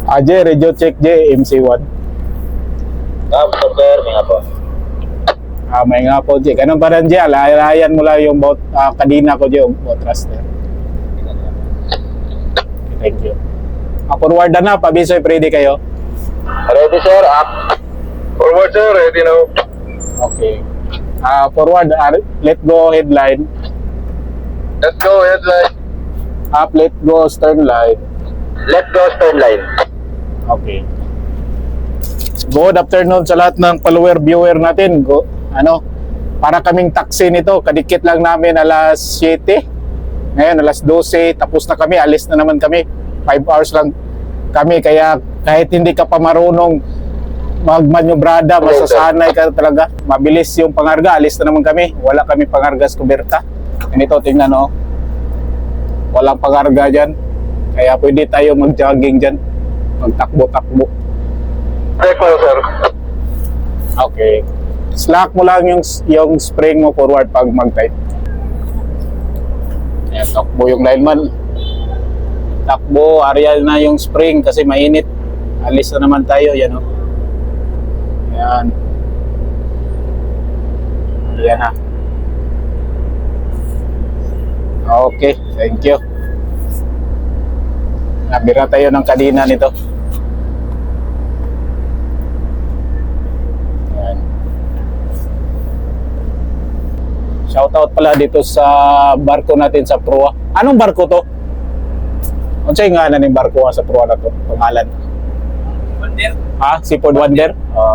J, radio check J, MC1. Sir, may nga po. May nga po J. Ganun pa rin J. Layan mo lang yung kadina ko J, yung boat thruster. Thank you. Forward na, pabisoy, ready kayo? Ready, sir. Up. Forward, sir. Ready now. Okay. Forward, let go headline. Let's go, headline. Up, let go stern line. Let go, stern line. Okay. Good afternoon sa lahat ng follower, viewer natin. Para kaming taxi nito, kadikit lang namin alas 7. Ngayon alas 12, tapos na kami, alis na naman kami. 5 hours lang kami, kaya kahit hindi ka pa marunong magmanyobrada, masasanay ka talaga. Mabilis yung pangarga, alis na naman kami. Wala kami pangarga sa kuberta. Ganito, tingnan o. Walang pangarga dyan. Kaya pwede tayo mag-jogging dyan. Magtakbo-takbo. Check mo, sir. Okay. Slack mo lang yung spring mo forward pag mag-tight. Ayan, takbo yung lineman. Takbo, aerial na yung spring kasi mainit. Alis na naman tayo, yan o. Ayan. Ayan ha. Okay, thank you. Nabira tayo ng kadina nito. Ayan. Shoutout pala dito sa barko natin sa Proa. Anong barko to? Ano siya nga na ng barko sa Proa na to? Pangalan? Wonder. Seafood Wonder?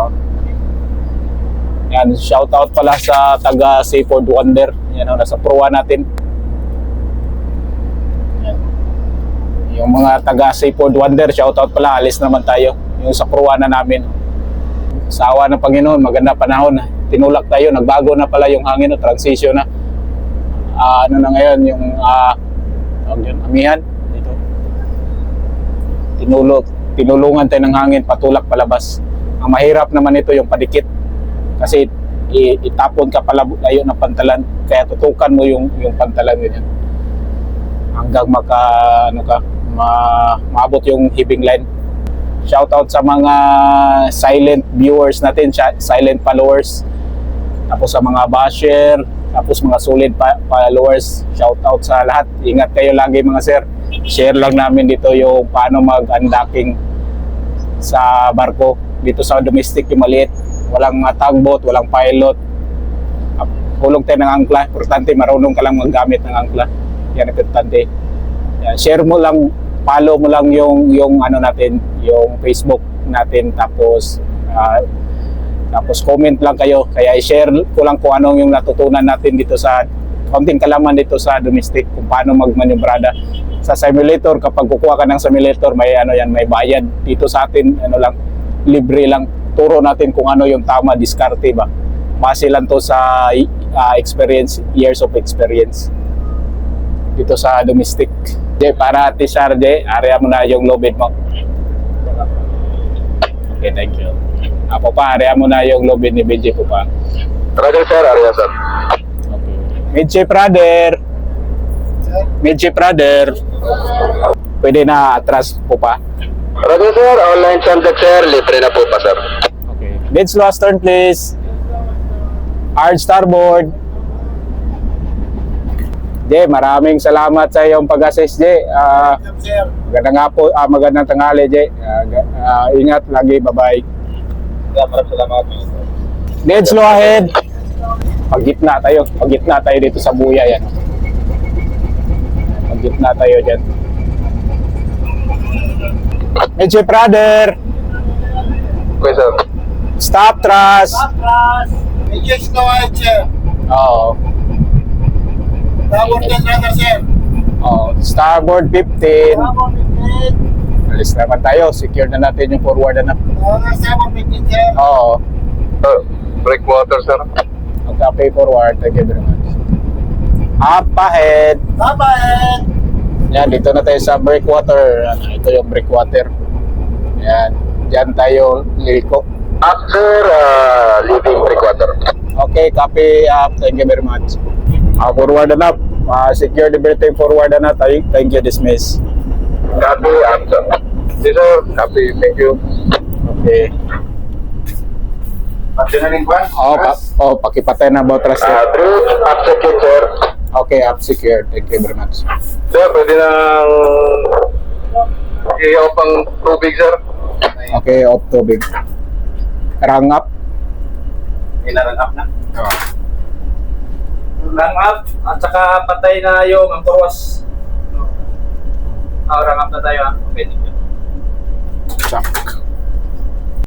Yan, shoutout pala sa taga Seafood Wonder. Yan o, nasa Proa natin. Yan. Yung mga taga Seafood Wonder, shoutout pala, alis naman tayo. Yung sa Proa na namin. Sa awa ng Panginoon, maganda panahon. Tinulak tayo, nagbago na pala yung hangin, transition na. Ano na ngayon, yung amihan. Dito. Tinulungan tayo ng hangin, patulak palabas. Ang mahirap naman ito yung padikit. Kasi itapon ka pala layo ng pantalan, kaya tutukan mo yung pantalan ganyan. Hanggang maabot yung hipping line. Shoutout sa mga silent viewers natin, silent followers. Tapos sa mga basher, tapos mga solid followers. Shoutout sa lahat. Ingat kayo lagi mga sir. Share lang namin dito yung paano mag-unlocking sa barko. Dito sa domestic yung maliit. Walang tugboat, walang pilot. Hulog tayo ng angkla. Importante, marunong ka lang maggamit ng angkla. Yan ang importante. Yan. Share mo lang, follow mo lang yung ano natin, yung Facebook natin, tapos comment lang kayo. Kaya i-share ko lang kung anong yung natutunan natin dito sa konting kalaman dito sa domestic, kung paano magmanyobrada. Sa simulator, kapag kukuha ka ng simulator, may may bayad. Dito sa atin, libre lang. Turo natin kung ano yung tama, diskarte ba. Base lang to sa experience, years of experience dito sa domestic. Para Ate Sarde, area mo na yung low bid mo. Okay, thank you. Ako pa, area mo na yung low bid ni BJ po pa. Roger, sir. Area, sir. Okay. Midship brother. Midship brother. Pwede na atras po pa. Roger, sir. Online contact, sir. Libre na po pa, sir. Okay. Dead slow stern, please. Hard starboard. Jay, maraming salamat sa iyong pag-assist, Jay. Magandang tanghali, Jay. Ingat lagi, bye-bye. Maraming salamat. Dead slow ahead. Pag-gitna tayo dito sa buya yan. Pag-gitna tayo dyan. Midship brother. Okay, sir. Stop thrust. Medyo slow ahead, sir. Oo. Starboard 10 runner, sir. Starboard 15. Starboard 15. Alis naman tayo. Secure na natin yung forward na. Starboard 15, sir. Oo. Breakwater, sir. Okay, forward. Thank you very much. Up ahead. Up ahead. Yan, dito na tayo sa breakwater. Ito yung breakwater. Yan. Diyan tayo liliko. After leaving breakwater. Okay, copy up. Thank you very much. Forward and up. Secure the berthing forward and up. Thank you, dismiss. Copy, after. Yes, sir. Copy. Thank you. Okay. Pati na rin kwan? Pakipatay na about rest. Truth, up secure, sir. Okay, up secure. Thank you very much. Sir, pwede nang i-off ang tubig, sir. Okay, off tubig. Rang up. Inarang up na. Rang up at saka patay na yung antoros. Rang up na tayo ha. Okay, thank you. Check.